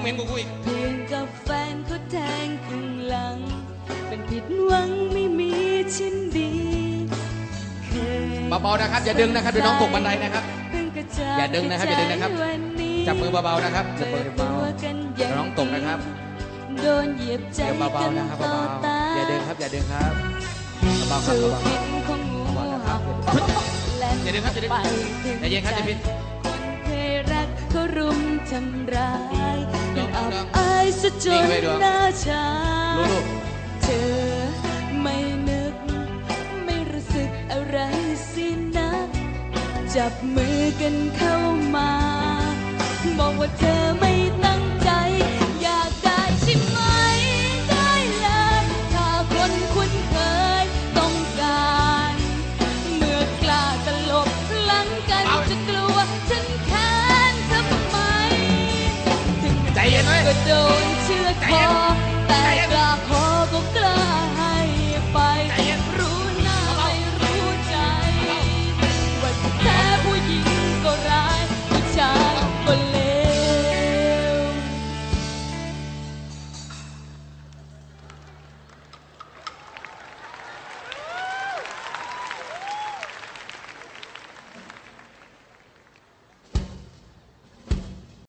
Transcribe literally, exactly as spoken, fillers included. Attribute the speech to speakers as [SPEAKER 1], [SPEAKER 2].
[SPEAKER 1] เหม็นกูกูอีก
[SPEAKER 2] เพียงกับแฟนเขาแทงข้างหลังเป็นผิดหวังไม่มีชิ้นดี
[SPEAKER 1] เบาๆนะครับอย่าดึงนะครับเดี๋ยวน้องตกบันไดนะครับอย่าดึงนะครับอย่าดึงนะครับจับมือเบาๆนะครับจับมือเบาๆเดี๋ยวน้องตกนะครับ
[SPEAKER 2] โดนเหยียบใจ
[SPEAKER 1] เบาๆนะครับเบาๆอย่าดึงครับอย่าดึงครับเบาๆครับเบาๆอย่าดึงครับอย่าดึงอย่าเย็นครับอย่าพิน
[SPEAKER 2] เคยรักเขารุมทำร้ายยังอับอายซะจนหน้าชาเธอไม่นึกไม่รู้สึกอะไรสินะจับมือกันเข้ามาบอกว่าเธอไม่ตั้งใจอยากได้ใช่ไหมได้เลยถ้าคนคุ้นเคยต้องการเมื่อกล้าตลบหลังกันจะกลัวฉันแค้นทำไมถึงใจเย็นไว้ก็โดนเชือดคอ